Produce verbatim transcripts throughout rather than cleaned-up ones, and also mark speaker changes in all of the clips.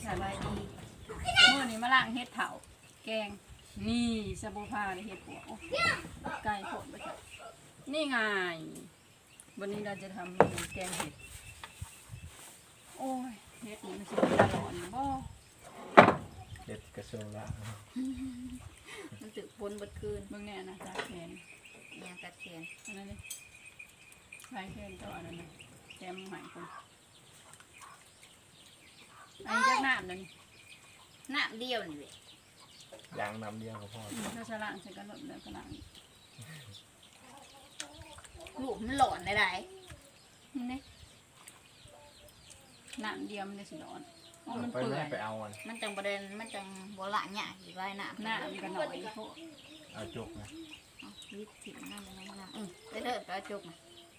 Speaker 1: สบายดีเมื่อนี้มาล้างเห็ดเถาแกงนี่สบู่ผ้าเห็ดปัวไก่โผล่ไปจ้ะนี่ไงวันนี้เราจะทำเมนูแกงเห็ดโอ้ยเห็ดนี่มันสิตลอดบ่
Speaker 2: เห็ดกระทรวงละ
Speaker 3: มันสึกพ้นบดคืน
Speaker 1: เบิ่งแน่นะตาแขน
Speaker 3: เนี่ยตัดแขน
Speaker 1: อันนั้นเลยใช้แขนตัวอันนั้นนะแกมหายคนอันนี้จากน้ำนั่น
Speaker 3: น้ำเดียวนี่แหละ
Speaker 2: ยางน้ำเดียวก็พอ
Speaker 1: เราจะล้างใส่กระโดดแล้วก็ล้าง
Speaker 3: ลูกมันหลอนได้ไร
Speaker 1: นี่น้ำเดียวมันจะสิร้อนโอ้มัน
Speaker 2: ไป
Speaker 1: เปื่อ
Speaker 2: แม่
Speaker 1: ย
Speaker 2: ไปเอามัน
Speaker 3: มันจังประเด็นมันจังโบราณเนี่ยอยู่ไรน้ำ
Speaker 1: น้ำกันหน่อยพวก
Speaker 2: เอาจกนะ
Speaker 3: วิธีน้ำมันน้ำอืมได้เถิดไปจุกนะ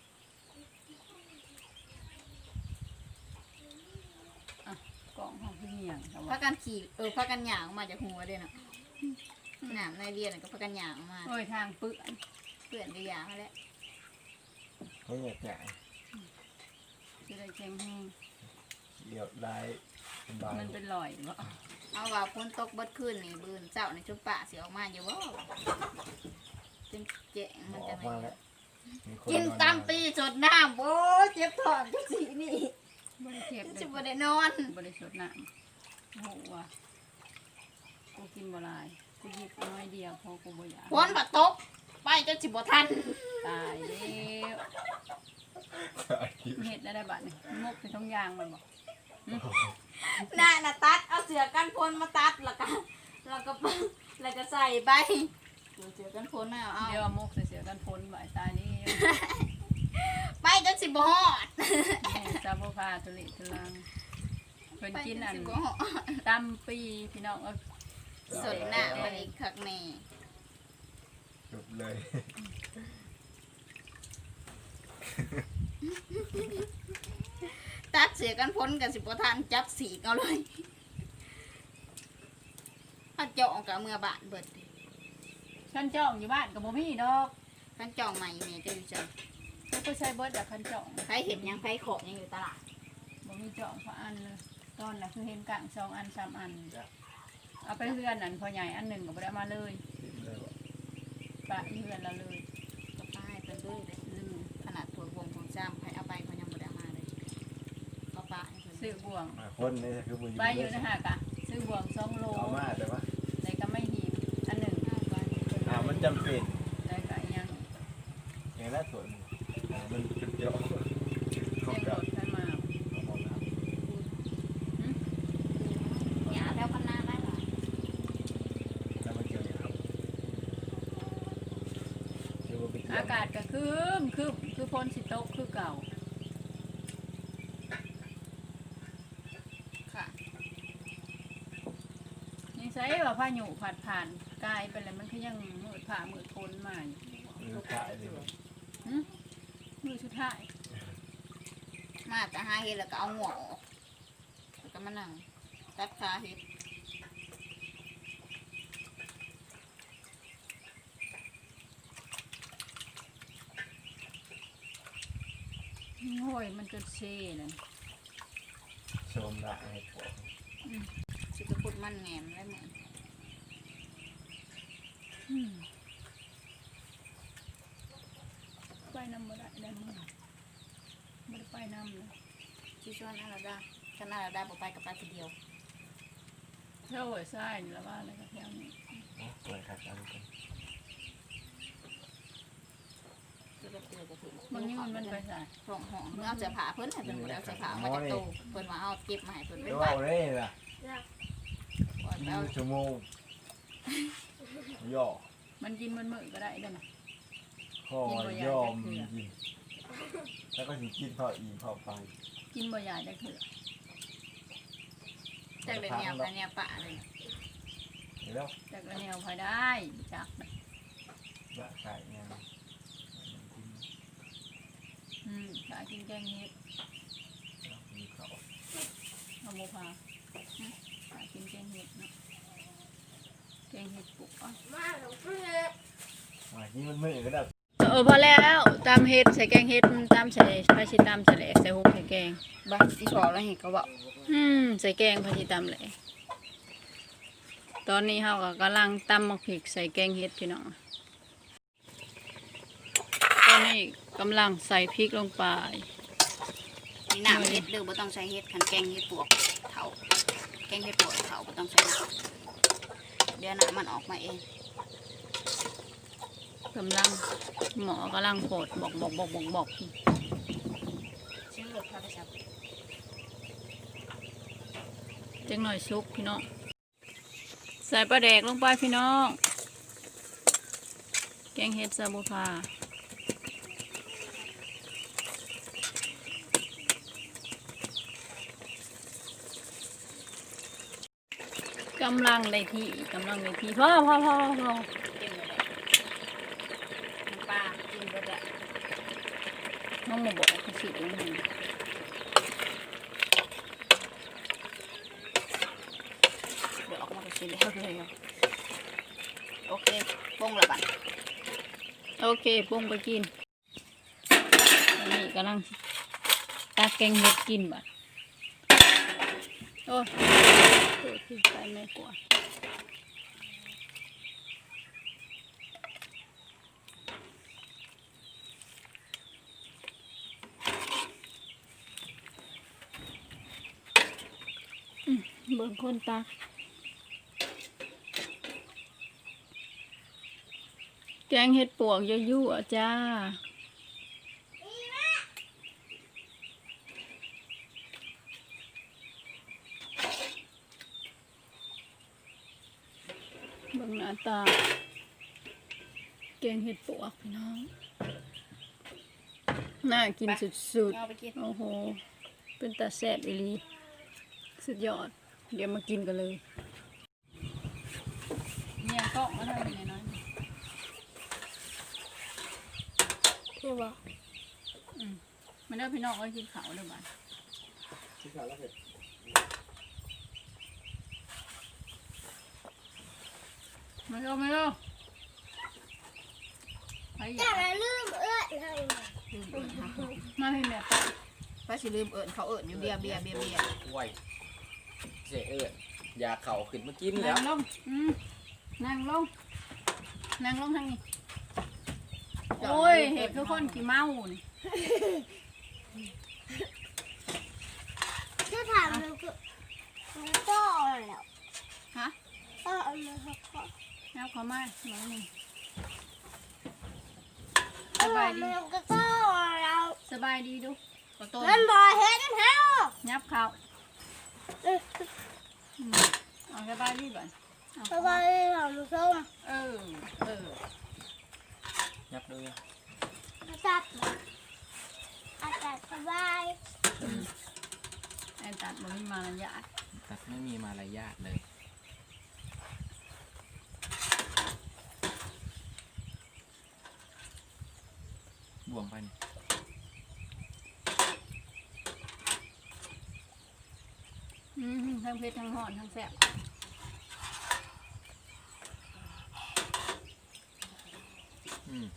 Speaker 1: กล่องของพี่เหี่ยงแต่
Speaker 3: พั
Speaker 1: ว่าก
Speaker 3: กันขี่เออพักกันหยางออกมาจากหัวเด้เนาะน้ำในเรียนก็พักกันหยางออกมา
Speaker 1: โอ้ยทางเปื่อย
Speaker 3: เพื่อนก็หยางมาแล้ว
Speaker 2: เขาเหยียดใหญ่
Speaker 1: จะได้แข็งแห้ง
Speaker 2: เดี่ยวได้สบาย
Speaker 1: มันเป็นรอยบ่
Speaker 3: เอาว่าพ้นตกบดคืนนี่บืนเจ้าในชุบปะเสียออกมาอยู่ว่าจนเจ๊ง
Speaker 2: หม
Speaker 3: มัน
Speaker 2: อ
Speaker 3: จะ
Speaker 2: ออก
Speaker 3: ไม่
Speaker 2: มาแล้วมีค
Speaker 3: กิน
Speaker 2: อ
Speaker 3: ตามตีสดน้ำโอ้เจ็บท้องจังสีนี่
Speaker 1: บริเทียบเล
Speaker 3: จะ
Speaker 1: ย
Speaker 3: บ่ได้นอน
Speaker 1: บริสุทธิ์น้ำโอ้โหว่ะกูกินบ่หลายกูหยิบน้อยเดียวเพราะกูบ่อยาก
Speaker 3: พ้นบัดตกไปจนสิบ่ทัน
Speaker 1: ตายแล้วเห็ดแล้วได้บัดนี่มกไปท้องยางมันบ่
Speaker 3: น่ะน่ะตัดเอาเสือกันพ้นมาตัดแล้วก็แล้วก็แล้วก็ใส่ไปเสือกันพ้นมาเอา
Speaker 1: เดี๋ยวมกเสียๆกันพ้นบ่ายตายนี่
Speaker 3: ไปจนสิบ่ฮอด
Speaker 1: แม่ซาโบพาตุลิตุลังเพิ่น
Speaker 3: ไป
Speaker 1: กิน
Speaker 3: จน
Speaker 1: อัน
Speaker 3: สิบ่ฮอด
Speaker 1: ตำปีพี่น้องเอ้ย
Speaker 3: สดหน้ามันอีกคักแน่
Speaker 2: จบเลย
Speaker 3: ตัดเสือกันพ้นกันสิบ่ทันจับสีกเอาเลยถ้าเจาะกับเมื่อบานเบิด
Speaker 1: ขันจ่องอยู่บ้านกับบ่มีดอก
Speaker 3: คันจองใหม่แม่จะอยู่จัง
Speaker 1: เขาก็ใช้เบิดอะขันจ่อง
Speaker 3: ใครเห็นยังใครขอบยังอยู่ตลาด
Speaker 1: บ่มีจ่องพระอันเลยตอนน่ะคือเห็นกลางสองอันสามอันเอาไปเพื่อนอันพอใหญ่อันหนึ่งก็บ่ได้มาเลย
Speaker 2: เลยว่ะ
Speaker 1: ปะเพื่อนเราเลย
Speaker 3: ก็ป้ายเป็นด้วยเลย
Speaker 1: ลืม
Speaker 3: ขนาดถั่ววงของจ้ำใครเอาไปเขายังบ่ได้มาเลยก็ป้าให้เพิ่น
Speaker 1: ซื้อบ่วง
Speaker 2: มาคนนี่คือบุญ
Speaker 1: ไปอยู่นะฮะกะซื้อบ่วงสองโล
Speaker 2: เอามาแต่ว่า
Speaker 1: ในก็ไม่หีบอันหนึ่ง
Speaker 2: อ่ามันจำเป็น
Speaker 1: ได้ก็ยัง
Speaker 2: อย่างนั้นส่วนมันเป็นเจาะ
Speaker 1: เสียงรถขึ้นมา
Speaker 3: หยาแล้วพันนาได้หรอ
Speaker 2: แล้วมันเกี่ยวอย่างครับคือว่าเป็นเกี่ยว
Speaker 1: อากาศก็คืมคือคือพ้นสิตกคือเก่า
Speaker 3: ค่ะ
Speaker 1: ยังใช้ว่าพายุผัดผ่านกายไปแล้วมันก็ยังมืดผ่ามืดพ้นมาอยู่
Speaker 2: มือขายเลย
Speaker 1: มือสุดท้าย
Speaker 3: มาแต่หาเห็ดแล้วก็เอาหัวออกแล้วก็มานั่งตัดขาเห็ด
Speaker 1: โอ้ยมันจนเช่นั่น
Speaker 2: ชมละให้ผม
Speaker 3: สิกระพุดมันแหนมได้เหมือน
Speaker 1: อืมไปน้ำบ่ได้ได้มั้งไม่ได้ไปน้ำเลย
Speaker 3: ชิชวนอะไรได้ฉันอะไรได้บอกไปกับไปทีเดียว
Speaker 1: เท่าหัวไส้นี่แล้วว่าอะไรกับแถวนี้
Speaker 2: เปิดขัดเอาไป
Speaker 3: จะไปเตือนกับถึง
Speaker 1: บางทีมันมันไปใส่
Speaker 3: ห้องห้องเมื่อเอาเสื้อผ้าเพิ่นให้เพิ่นบ่ได้เอาเสื้อผ้ามาจากตู้เพิ่นว่าเอาเก็บมาให้เพิ่นไว้
Speaker 2: เดี๋ยว
Speaker 3: ไว้
Speaker 2: เอาเลยล่ะ
Speaker 3: ก่อน
Speaker 2: ยี่
Speaker 3: แล้ว
Speaker 2: สิบชั่วโมงย่อ
Speaker 1: มันกินมันมือก็ได้ได้ไหม
Speaker 2: ข้อย่อมยิงแล้วก็ถึงกินข้าวอีข้าวไป
Speaker 1: กินบ่อยากจะเถื่อ
Speaker 3: จากเดือนแนวกันแนวป่าเลย
Speaker 2: เดี๋ยว
Speaker 1: แต่ก็แนวพอได้จัก
Speaker 2: ละใส่เนี่ย
Speaker 1: อืมขากินแกงเห็ด
Speaker 2: มีเขา
Speaker 1: เอาโมพาขากินแกงเห็ดเนาะแกงเห็ดปุกอ่ะ
Speaker 2: มาที่มันมือก็ได้
Speaker 1: เออพอแล้วตามเฮ็ดใส่แกงเฮ็ดตามใส่พาชิตามใส่แหลกใส่หุบใส่แกง
Speaker 3: บ้าอีพอแล้วเห็นก็บอก
Speaker 1: อืมใส่แกงพาชิตามแหลกตอนนี้เฮาก็กำลังตำหมักพริกใส่แกงเฮ็ดพี่น้องตอนนี้กำลังใส่พริกลงไป
Speaker 3: มีหนามเห็ดหรือบ่ต้องใช้เห็ดขันแกงเห็ดปวกเถาแกงเห็ดปวกเถาบ่ต้องใช้เห็ดเดี๋ยวน้ำมันออกมาเอง
Speaker 1: กำลังหมอกำลังโผดบอกบอกบอกบอกบอก
Speaker 3: เชื่อพาไปชับ
Speaker 1: จังหน่อยซุกพี่น้องใส่ปลาแดกลงไปพี่น้อง แกงเห็ดซาบูพากำลังเลยที่กำลังเลยที่พ่อพ่อพ่อพ่อ
Speaker 3: กินเลยน้ำปลากินก็ได้
Speaker 1: น้องมาบอกเขาสิตรงนี้
Speaker 3: เดี๋ยวออกมาก็สิแล้วเลยโอเคปรุงละบัด
Speaker 1: โอเคปุ้งไปกินอันนี้กำลังตักแกงเห็ดกินบัดโอ้ยโอ้ยที่ไปไม่กลัวอืมเบิ่งคนตักแกงเห็ดปวกยั่วๆจ้าเบิ่งหน้าตาแกงเห็ดปวกพี่น้องน่ากินสุด
Speaker 3: เอาไปกิน
Speaker 1: ๆโอ้โหเป็นตาแซ่บอีหลีสุดยอดเดี๋ยวมากินกันเลยเนี่ยก็มาทำยังไงน้อย
Speaker 3: คือว่า
Speaker 1: มันได้พี่น้องก็กินข้าวเด้อบ้าน
Speaker 2: ที่ขาแล้วเผ็ด
Speaker 1: มาเร็วมาเร็วไปอ
Speaker 3: อย่า
Speaker 1: ย่า
Speaker 3: มาลืมเอื้อนเลย
Speaker 1: มาให้แม่ไป
Speaker 3: ป้าสิลืมเอิญเขาเอิญอยู่เบียร์เบียร์เบียร์เบียร์
Speaker 2: ไหวเสียเอิญยาเข่าขึ้นมากินแล้
Speaker 1: นั่
Speaker 2: ว
Speaker 1: งลงอืมนั่งลงนั่งลงทางนี้โอ้ยเห็ดคือคนขี้เมานี่
Speaker 3: ถ้าถามมันก็มันก็แล้ว
Speaker 1: ฮะ
Speaker 3: ก็เอามาเขาก็
Speaker 1: แล้วเขามาหน่อยหนึงส
Speaker 3: เอา
Speaker 1: บายดี
Speaker 3: มันก็ก็แล้ว
Speaker 1: สบายดีดูขอตัว
Speaker 3: มันบ่เห็นเฮา
Speaker 1: ยับเขาอืมเอาสบายดีก่อนเอา
Speaker 3: สบายของมันส้ม
Speaker 1: เออเออ
Speaker 2: ยับด้วย
Speaker 3: อาจารย์อาจารย์สบาย
Speaker 1: แอนตัดมันมีมารยาท
Speaker 2: ตัดไม่มีมารยาทเลยบวมไปนี่
Speaker 1: อืมทั้งเพชรทั้งหอนทั้งแซ่บ
Speaker 2: อืม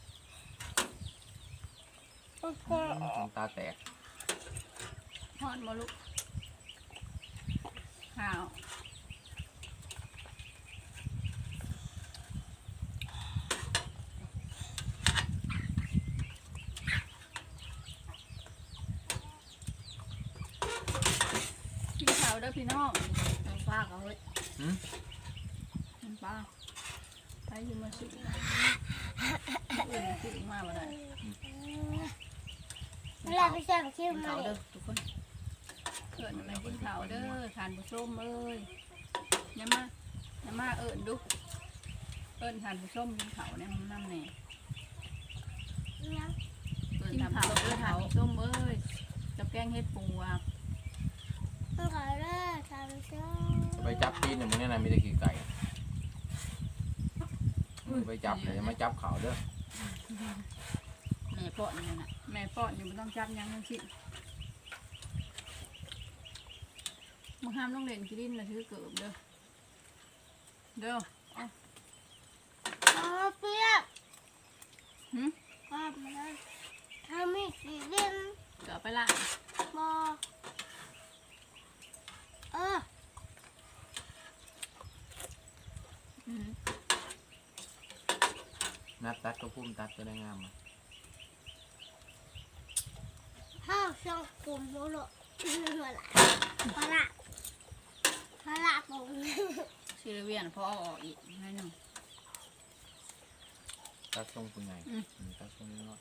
Speaker 3: โอเค
Speaker 2: น้ำตาแตก
Speaker 1: หอนมาลุกข้าวพี่ขาวเด้อพี่น้องน้ำปลาเขาเฮ้ย
Speaker 2: หืม
Speaker 1: น้ำปลาไปอยืมมาสิเออสิมาบ่ได้
Speaker 3: เวลาไปสั่งชิม
Speaker 1: กิน
Speaker 3: มา
Speaker 1: ข้าว
Speaker 3: เล
Speaker 1: เด้อย ทุกคนเกิดอะไรกินข้าวเด้อทานผู้ชมเอ้ยอย่ามาอย่ามาเอิญดูเอิญทานผู้ชมกินข้าวในห้องน้ำแน่เอิญทานผู้ชมเอิญทานผู้ชมเอ้ยกับแกงเห็ดปูอ่ะ
Speaker 3: มันขอเลิกทำช่ว
Speaker 2: จะไปจับปีนอย่างมึงเนี่ยนะมีแต่ขี้ไก่มึงไปจับเลยอย่ามาจับเขาเด้อ
Speaker 1: แม่ป้อนนี่นะแม่ป้อนอยู่ไม่ต้องจับหยังทั้งสิ้นมึงห้ามต้องเล่นกินดินนะถือเกิบเด้อเด้อเอา
Speaker 3: อ๋อเปียก
Speaker 1: หืม
Speaker 4: ภาพมันนั้นถ้าไม่สีเล่น
Speaker 1: เดี๋ยวไปล่าง
Speaker 4: บอเออ
Speaker 1: อืม
Speaker 2: นัดตัดก็พุ่มตัดจะได้งามมา
Speaker 4: ข้าวช่องกลุ่มโมโลพละพละพละผม
Speaker 1: ซีเรียนพอเอาออกอีกให้หนึ่ง
Speaker 2: ตัดทรงเป็นไง
Speaker 1: อืม
Speaker 2: อืมตัดทรงน้อย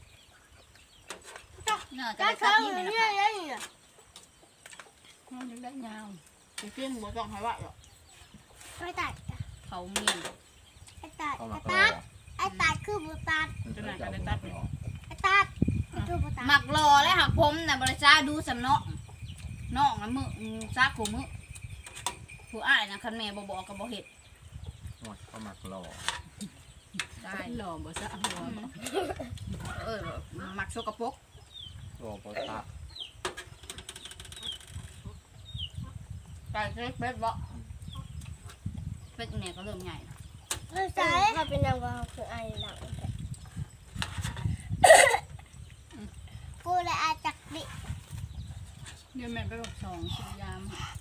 Speaker 1: น่าจะ
Speaker 4: จะ
Speaker 1: ได้ตัด
Speaker 4: ทำ
Speaker 1: ที่
Speaker 4: อ
Speaker 1: นี่
Speaker 4: ย่าง
Speaker 1: นะ
Speaker 4: นี้
Speaker 1: คะ
Speaker 4: ได้ยังไง
Speaker 1: มันยังได้ยาวไปเพี้ยนหัวจ่องให้ว่าหรอก
Speaker 4: ไม่ตัด
Speaker 1: เขาเมียน
Speaker 4: ไอ้ตัด
Speaker 2: เข้า
Speaker 4: ไอ้
Speaker 2: มาก็ร
Speaker 4: ตั
Speaker 2: อ
Speaker 4: ดไอ้ตัดคือบุตัด
Speaker 2: มันจะได้ตัดรอ
Speaker 4: ไอ้ตัดคือบุตัด
Speaker 3: หมักรอและหักผมน่ะบริจาดูสำเนาะน้องนะมือซักกูมือผู้อ้ายนะคันแม่บ่บอกกับบ่เฮ็ด
Speaker 2: โอ้ยเข้ามารอ
Speaker 3: ได้
Speaker 1: หล่อบ่ซะหัวบ่
Speaker 3: เออหมักโชกปรก
Speaker 2: รอพอตัด
Speaker 3: ไก่เล็กเป็ดบ่เป็ดเนี่ยก็เริ่มใหญ่นะ
Speaker 4: ไม่ใช่ถ้าเป็นยังไงคือไอ้หลังกูเลยอาจักดิ
Speaker 1: เดี๋ยวแม่ไปบอกสองสุยาม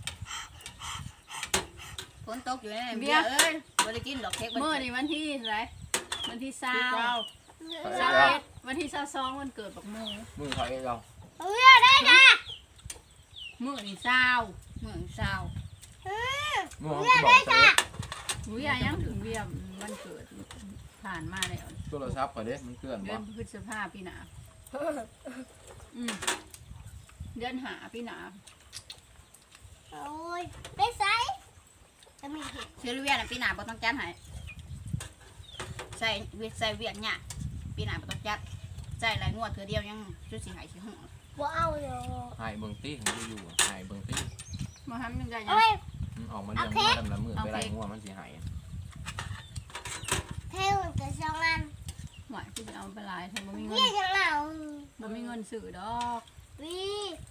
Speaker 3: ฝนตกอยู่ในเบียร์เอ้ยบ่ได้กินดอกเค้ก
Speaker 1: เมื่อนี่วันที่อะไรวันที่เศร้า
Speaker 3: เก้า
Speaker 1: เศร้าเอ็ดวันที่เศร้าสองวันเกิดบักโม
Speaker 2: มือเขาเองเรา
Speaker 4: เรียได้จ้ะ
Speaker 1: เมื่อนี่เศร้า
Speaker 3: เมืองเศร้า
Speaker 2: มือเขาบอกเตะ
Speaker 1: หุยยังถึงเวียมวันเกิดผ่านมาแล้ว
Speaker 2: โทรศัพท์ก่อนเด้มันเคลื่อน
Speaker 1: เดื
Speaker 2: บ่
Speaker 1: อนพฤษภาปีหนาอืมเดือนหาปีหนา
Speaker 4: โอ้ยได้ไซจะมีเห็ด
Speaker 3: เชื้อเวียนปีหน้าบ่ต้องจัดให้ใส่เวียใส่เวียนเนี่ยปีหน้าบ่ต้องจัดใส่หลายงวดเทื่อเดียวยังจุดสิหายสิหัว
Speaker 4: บ่เอาเลย
Speaker 2: หายเบิ่งตี้ของอยู่ๆหายเบิ่งตี้
Speaker 1: มาทำยังไง
Speaker 4: โอ้ย
Speaker 2: มันออกมาเรื่องว่าดำละมือไปไล่งัวมันสิหาย
Speaker 4: เท่มันจะช่องอัน
Speaker 1: หวายที่จะเอาไปลายทำบ่มีเงิ
Speaker 4: นี่
Speaker 1: น
Speaker 4: จะเหงา
Speaker 1: บ่มีเงินซื้อดอก
Speaker 4: วี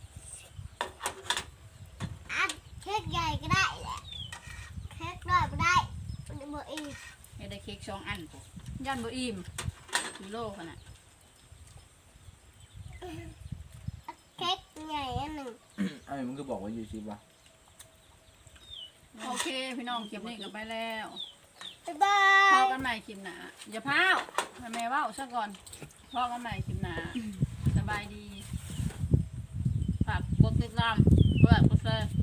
Speaker 4: อันเค้กใหญ่ก็ได้แหละเค้กน้อยก็ได้มันบ่อีก
Speaker 3: ให้ได้เค้กสองอันปุ๊บ
Speaker 1: ย่านบ่อิ่ม
Speaker 3: กิโลขนาด
Speaker 4: เค้กใหญ่อันหนึ่ง
Speaker 2: ไอ้มึงก็บอกว่าอยู่ชิบวะ
Speaker 1: โอเคพี่น้องคลิปนี้ก็ไปแล้ว
Speaker 4: บ๊ายบา
Speaker 1: พอย กันใหม่คลิปหนาอย่าพาวให้แม่เว้าซะก่อนพอกันใหม่คลิปหนาสบายดีฝากกดติดตามกดไลค์กดแชร์